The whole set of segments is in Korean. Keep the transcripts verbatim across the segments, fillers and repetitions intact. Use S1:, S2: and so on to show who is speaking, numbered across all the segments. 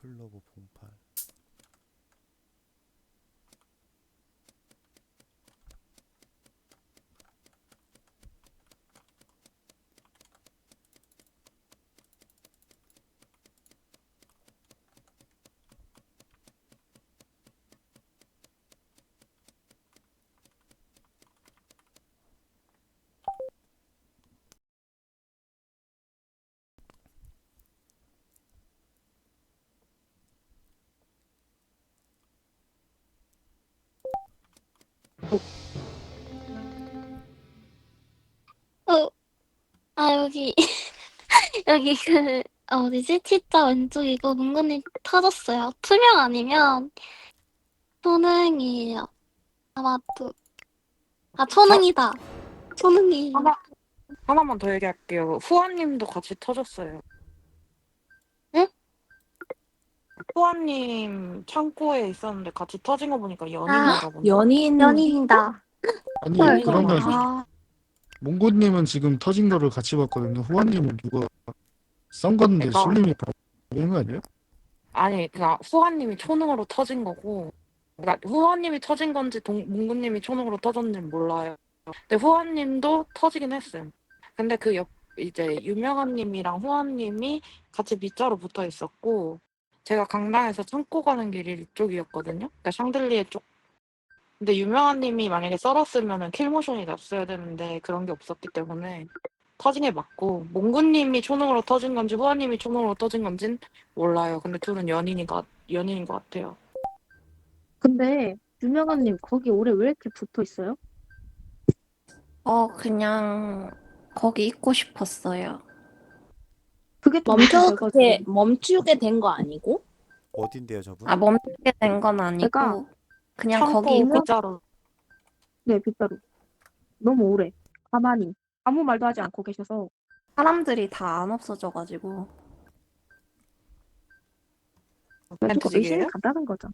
S1: 클로버 봉팔.
S2: 어, 아, 여기, 여기 그, 어디지? T자 왼쪽이고, 문근이 터졌어요. 투명 아니면 초능이에요. 아마도. 아,
S3: 저
S2: 초능이다. 초능이.
S3: 하나, 하나만 더 얘기할게요. 후아님도 같이 터졌어요.
S2: 응?
S3: 후아님 창고에 있었는데 같이 터진 거 보니까
S2: 아,
S3: 연인인가 보네.
S4: 연인,
S2: 연인이다.
S5: 아니
S2: 헐.
S3: 연인인 것
S5: 그러면
S3: 같아요.
S2: 아,
S5: 몽고님은 지금 터진 거를 같이 봤거든요. 후아님은 누가 썬 건데
S3: 그러니까
S5: 술님이 바꾸는 거 아니에요?
S3: 아니 그냥 후아님이 초능으로 터진 거고, 그러니까 후아님이 터진 건지 동, 몽구님이 초능으로 터졌는지 몰라요. 근데 후아님도 터지긴 했어요. 근데 그 옆 이제 유명한님이랑 후아님이 같이 밑자로 붙어 있었고, 제가 강당에서 창고 가는 길이 이쪽이었거든요. 그러니까 샹들리에 쪽. 근데 유명한님이 만약에 썰었으면은 킬모션이 났어야 되는데 그런 게 없었기 때문에 터진 게 맞고, 몽구님이 초능으로 터진 건지 후아님이 초능으로 터진 건진 몰라요. 근데 둘은 연인인 것, 연인인 것 같아요.
S4: 근데 유명한님 거기 오래 왜 이렇게 붙어 있어요?
S6: 어, 그냥 거기 있고 싶었어요.
S4: 그게 좀
S7: 멈추게
S4: 이상해가지고.
S7: 멈추게 된 거 아니고?
S1: 어딘데요, 저분?
S6: 아, 멈추게 된 건
S4: 제가
S6: 아니고, 그냥 거기
S3: 창고
S6: 있고,
S3: 빗자루.
S4: 네 빗자루 너무 오래 가만히 아무 말도 하지 않고 계셔서.
S6: 사람들이 다 안 없어져가지고.
S4: 좀 의심이
S3: 멘토직이에요?
S4: 간다는 거죠.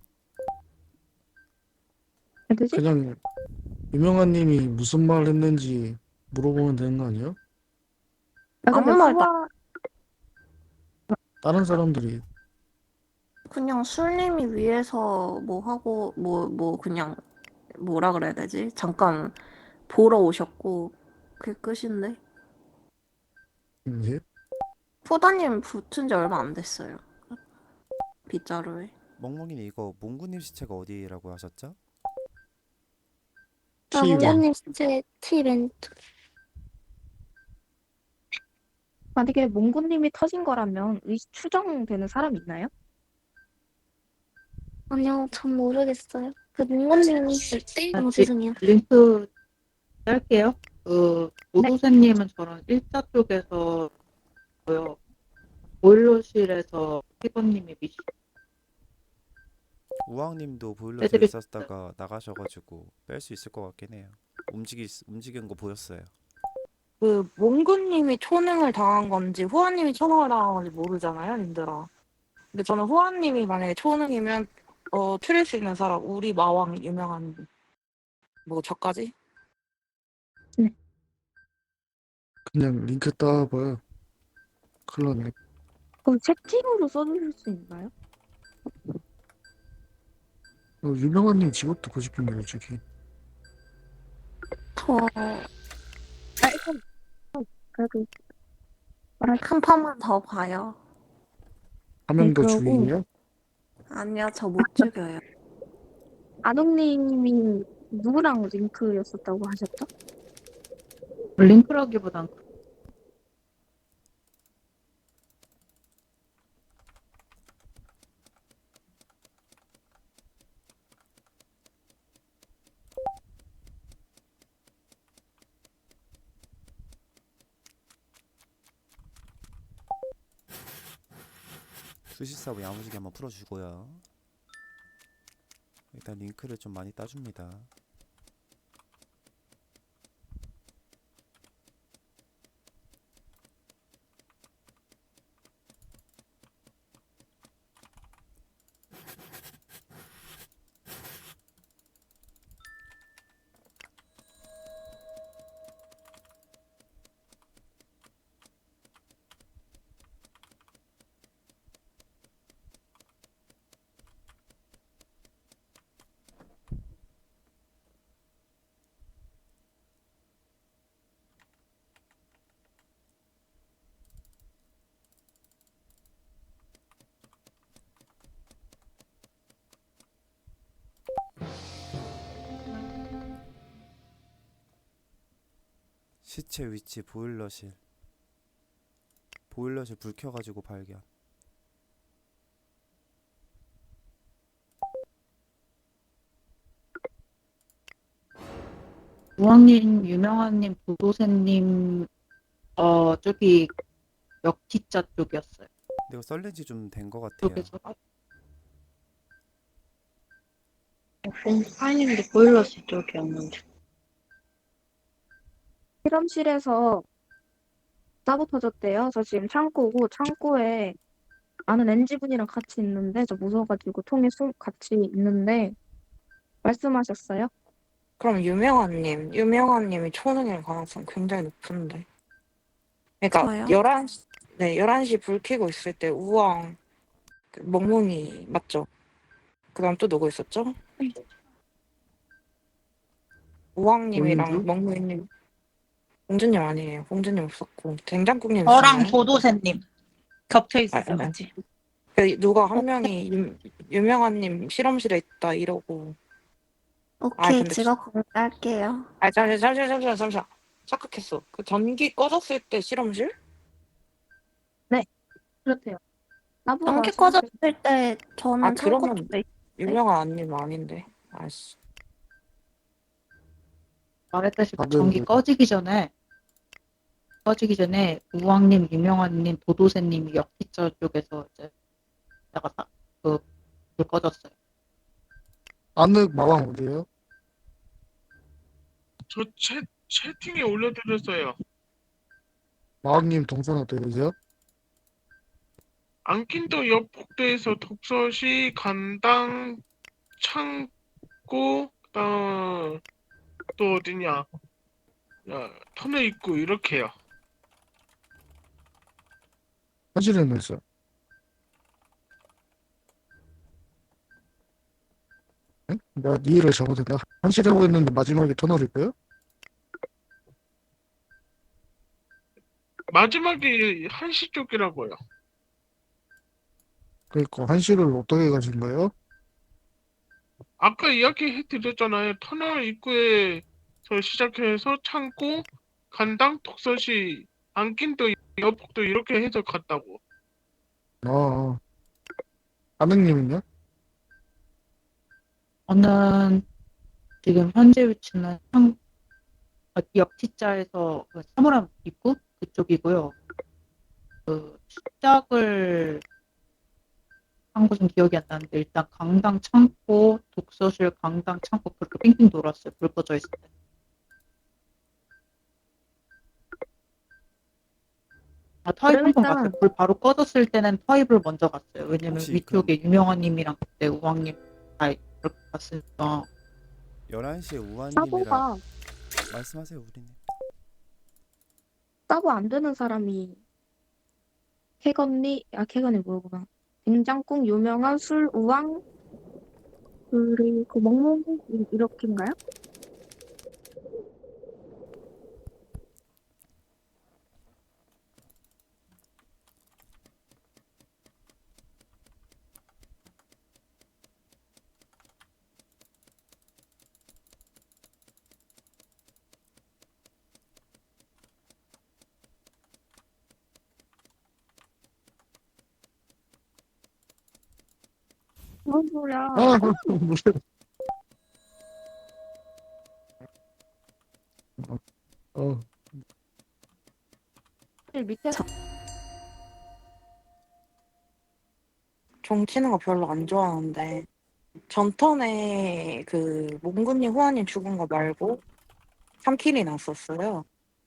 S4: 되지?
S5: 그냥 유명한님이 무슨 말 했는지 물어보면 되는 거 아니에요?
S4: 아 근데
S6: 아무 말도 안-
S4: 후아
S5: 다른 사람들이
S6: 그냥 술님이 위해서 뭐 하고, 뭐, 뭐, 그냥, 뭐라 그래야 되지? 잠깐 보러 오셨고, 그게 끝인데?
S5: 이제
S6: 포다님 붙은 지 얼마 안 됐어요. 빗자루에.
S1: 멍멍이는 이거 몽구님 시체가 어디라고 하셨죠?
S2: 아,
S5: 티벤
S2: 문근님 진짜 T 왼쪽.
S4: 만약에 몽구님이 터진 거라면 의 추정되는 사람 있나요?
S2: 아니요, 전 모르겠어요. 그 문근님 있을 때?
S8: 아,
S2: 어,
S8: 리,
S2: 죄송해요.
S8: 링크 할게요. 그
S4: 네.
S8: 오도세님은 저랑 일자 쪽에서 고요. 보일러실에서 피버님이 미시
S1: 우왕님도 보일러실에
S8: 빼드릴 수
S1: 있었다가 나가셔가지고 뺄 수 있을 것 같긴 해요. 움직이 움직인 거 보였어요.
S3: 그 몽구님이 초능을 당한 건지 후아님이 초능을 당한 건지 모르잖아요, 님들아. 근데 저는 후아님이 만약에 초능이면 어 추릴 수 있는 사람, 우리 마왕 유명한 뭐 저까지?
S5: 그냥 링크 따봐요. 큰일 났네.
S4: 그럼 채팅으로 써주실 수 있나요?
S5: 어, 유명한님 직업도 거짓말이에요, 저기.
S6: 저,
S4: 아 일단 그래도 말할
S6: 한 판만 더 봐요.
S5: 한
S4: 네
S5: 명 더
S4: 그러고
S5: 죽이게요?
S6: 아니요, 저 못 죽여요.
S4: 아동님이 누구랑 링크였었다고 하셨죠?
S8: 링크라기보단
S1: 수시사부 야무지게 한번 풀어주고요. 일단 링크를 좀 많이 따줍니다. 시체 위치 보일러실. 보일러실 불 켜가지고 발견.
S8: 우왕님, 유명한님, 도도새님, 어, 저기 역티자 쪽이었어요.
S1: 근데 이거 썰렌지 좀 된 것 같아요.
S8: 쪽에서
S7: 파이님도 보일러실 쪽이었는데.
S4: 실험실에서 싸고 터졌대요. 저 지금 창고고 창고에 아는 엔지분이랑 같이 있는데 저 무서워가지고 통에 술 같이 있는데 말씀하셨어요?
S3: 그럼 유명한님, 유명한님이 초능일 가능성 굉장히 높은데. 그러니까
S6: 저요?
S3: 열한 시, 네, 열한 시 불 켜고 있을 때 우왕, 그 멍멍이 맞죠? 그다음 또 누구 있었죠? 우왕님이랑
S5: 공주?
S3: 멍멍이님, 공주님 아니에요. 공주님 없었고 된장국님
S8: 저랑
S3: 있었나요?
S8: 도도새님 겹쳐
S3: 아,
S8: 있었어요,
S3: 아,
S8: 같이.
S3: 그 누가 한 명이 유, 유명한님 실험실에 있다 이러고. 아
S6: 오케이,
S3: 근데
S6: 직업 공개할게요.
S3: 아 잠시만 잠시만 잠시만 잠시만 착각했어. 그 전기 꺼졌을 때 실험실?
S4: 그렇대요. 나보다
S6: 전기
S4: 정확히
S6: 꺼졌을 때 저는
S3: 아
S6: 창고
S3: 그러면
S6: 쪽에
S3: 유명한 아님 아닌데. 아씨.
S8: 말했다시피
S5: 다들
S8: 전기 꺼지기 전에 꺼지기 전에 우왕님, 유명한님, 도도새님이 역티자 쪽에서 이제 나가 그불 꺼졌어요.
S5: 안흙 마왕 어디에요?
S9: 저 채, 채팅에 올려드렸어요.
S5: 마왕님 동선 어떻게 되세요?
S9: 안킨도 옆 복도에서 독서시, 간당, 창고, 그다음 또 어디냐? 야, 터널 입구 이렇게요.
S5: 현실에는 있어요. 응? 내가 이해를 잘못했나? 현실하고 있는데 마지막에 터널일까요?
S9: 마지막에 한시 쪽이라고요.
S5: 그러니까 한시를 어떻게 가신 거예요?
S9: 아까 이야기해 드렸잖아요. 터널 입구에서 시작해서 창고, 간당, 독서시, 안킨도 옆 복도 이렇게 해서 갔다고.
S5: 아, 아. 아능님은요?
S8: 저는 지금 현재 위치는 상, 어, 역티자에서 그 사물함 입구 그쪽이고요. 그 시작을 한 곳은 기억이 안 나는데 일단 강당 창고, 독서실 강당 창고 그렇게 빙빙 돌았어요. 불 꺼져 있을 때. 아, 터입
S4: 그럼
S8: 한 번
S4: 일단-
S8: 갔어요. 불 바로 꺼졌을 때는 터입을 먼저 갔어요. 왜냐면
S1: 혹시
S8: 위쪽에 유명한님이랑 그때 우왕님 다 이렇게 갔으니까.
S1: 열한 시에 우한님이랑
S4: 따보가
S1: 말씀하세요, 우리님.
S4: 따보 안 되는 사람이 캐건니 아 캐건이 뭐구나. 된장국 유명한 술 우왕 그리고 멍멍 이- 이렇게인가요? 뭔 소리야?
S5: 아, 무슨. 어,
S4: 밑에
S3: 종 치는 거 별로 안 좋아하는데 전턴에 그 몽구님, 후아님 죽은 거 말고 삼 킬이 났었어요.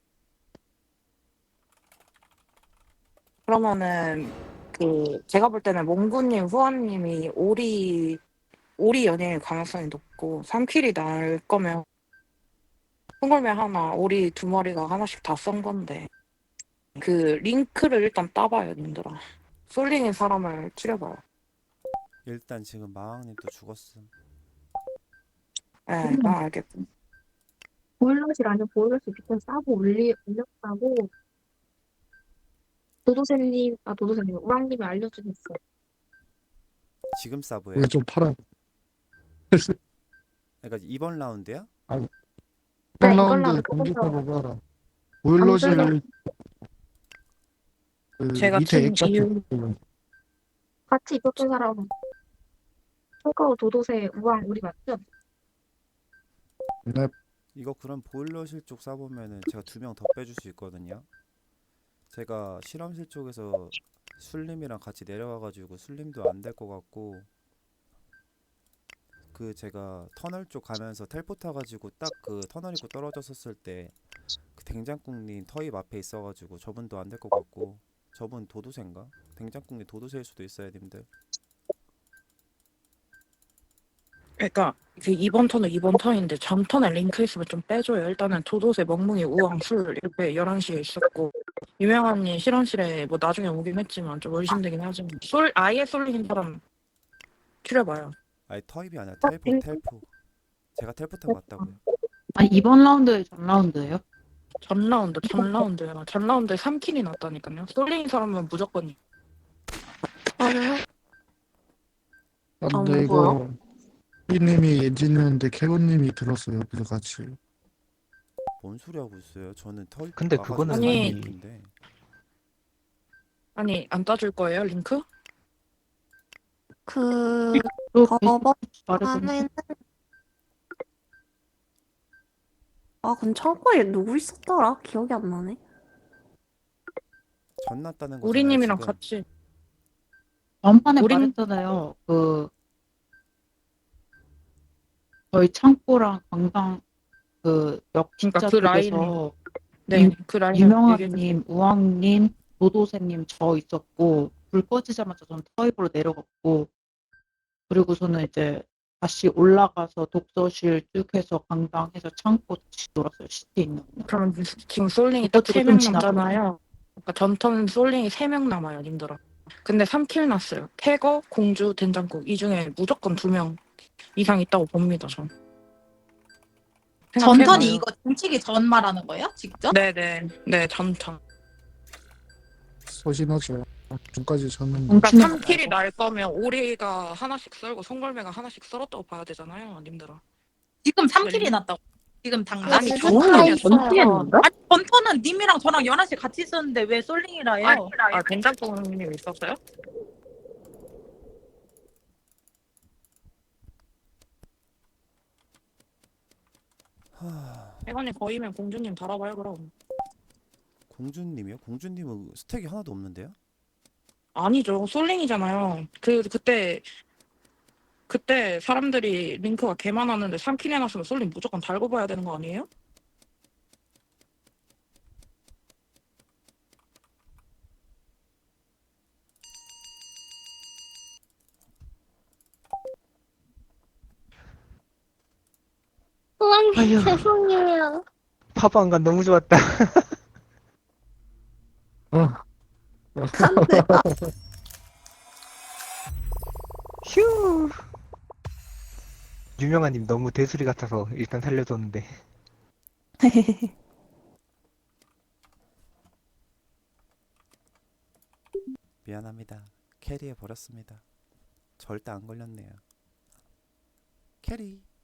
S3: 그러면은 그 제가 볼 때는 몽구님, 후아님이 오리 오리 연예일 가능성이 높고 삼 킬이 날 거면 흥얼매 하나, 오리 두 마리가 하나씩 다 썬 건데 그 링크를 일단 따봐요, 님들아. 솔링인 사람을 추려봐요.
S1: 일단 지금 마왕님도 죽었음.
S3: 예,
S4: 음.
S3: 아, 알겠고.
S4: 보일러실 아니면 보일러실 밑에 싸고 올리 올렸다고 도도새님 아 도도새님 우왕님이 알려주셨어요.
S1: 지금 사브예요?
S5: 이게 좀 팔아.
S1: 그러니까 이번 라운드야?
S4: 네,
S5: 이번
S4: 이번
S5: 라운드
S4: 라운드
S5: 경기
S4: 보고서-
S5: 사고가 보일러실
S4: 안
S5: 그
S3: 제가
S5: 밑에
S3: 튼
S5: 액자
S3: 이유
S4: 같이 있었던 사람 철가루 도도새 우왕 우리 맞죠?
S5: 네,
S1: 이거 그럼 보일러실 쪽 싸보면은 제가 두 명 더 빼줄 수 있거든요. 제가 실험실 쪽에서 술림이랑 같이 내려가가지고 술림도 안 될 것 같고, 그 제가 터널 쪽 가면서 텔포 타가지고 딱 그 터널 입구 떨어졌었을 때 그 댕장국님 터입 앞에 있어가지고 저분도 안 될 것 같고, 저분 도도새인가? 댕장국님 도도새일 수도 있어요, 님들.
S3: 그러니까 그 이번 턴은 이번 턴인데 전 턴에 링크 있으면 좀 빼줘요. 일단은 도도새, 멍멍이, 우왕, 술 이렇게 열한 시에 있었고 유명한님 실험실에 뭐 나중에 오긴 했지만 좀 의심되긴 하지만 솔 아예 쏠린 사람 추려봐요.
S1: 아니 터입이 아니라 텔포 텔포. 제가 텔포 타고 왔다고요.
S8: 아니 이번 라운드에 전 라운드예요?
S3: 전 라운드, 전 라운드야. 전 라운드에 삼 킬이 났다니까요. 쏠린 사람은 무조건
S2: 맞아요.
S5: 아,
S6: 안
S5: 근데
S6: 보여?
S5: 이거 피님이 엔지니어인데 캐곤님이 들었어요. 그래서 같이.
S1: 뭔 소리 하고 있어요? 저는 터입
S10: 근데
S1: 아까
S10: 그거는
S3: 아니,
S1: 아니
S10: 이미
S1: 인데
S3: 아니 안 따줄 거예요 링크?
S2: 그
S8: 또
S2: 법원
S8: 말해보면
S2: 안에는
S6: 아, 근데 창고에 누구 있었더라? 기억이 안 나네.
S1: 전 났다는 거잖아요
S3: 우리님이랑
S1: 지금.
S3: 같이
S8: 전판에
S3: 우린-
S8: 말했잖아요. 그 저희 창고랑 강당 그 역지자
S3: 그러니까 그 라인
S8: 쪽에서
S3: 네,
S8: 유-
S3: 그 라인 얘기해
S8: 유명한님, 우왕님, 노도새님 저 있었고 불 꺼지자마자 전 터입으로 내려갔고 그리고서는 이제 다시 올라가서 독서실 쭉 해서 강당해서 창고 다시 돌았어요. 시티 있는 거.
S3: 그러면 지금 솔링이
S8: 그거
S3: 딱
S8: 치고
S3: 세 명
S8: 좀 지나가네.
S3: 남잖아요. 그러니까 전턴 솔링이 세 명 남아요, 님들아. 근데 삼 킬 났어요. 태거, 공주, 된장국 이 중에 무조건 두 명 이상 있다고 봅니다, 전.
S11: 전턴이
S3: 생각해봐요.
S11: 이거 훔치기 전 말하는 거예요? 직접?
S3: 네네, 네, 전턴.
S5: 소신하죠. 전까지 졌는데.
S3: 그러니까
S8: 훔치는
S3: 삼
S8: 거
S3: 킬이
S8: 말고.
S3: 날 거면 오리가 하나씩 썰고 송골매가 하나씩 썰었다고 봐야 되잖아요, 님들아.
S11: 지금 삼 킬이
S3: 네.
S11: 났다고. 지금 당장.
S3: 아니,
S2: 아니,
S3: 저는
S2: 다
S3: 아니야,
S2: 있어요.
S11: 아니, 전턴은 님이랑 저랑 연하 씨 같이 있었는데 왜 솔링이라 해요?
S3: 아니, 아, 된장국님 있었어요?
S1: 하...
S3: 태건이 거의면 공주님 달아봐요, 그럼.
S1: 공주님이요? 공주님은 스택이 하나도 없는데요?
S3: 아니죠. 솔링이잖아요. 그 그때 그때 사람들이 링크가 개 많았는데 삼 킬 해놨으면 솔링 무조건 달고 봐야 되는 거 아니에요?
S2: 우왕님
S10: 아휴.
S2: 죄송해요.
S10: 파방간 너무 좋았다.
S5: 어.
S10: 휴. 유명한님 너무 대수리 같아서 일단 살려줬는데.
S1: 미안합니다. 캐리해 버렸습니다. 절대 안 걸렸네요. 캐리.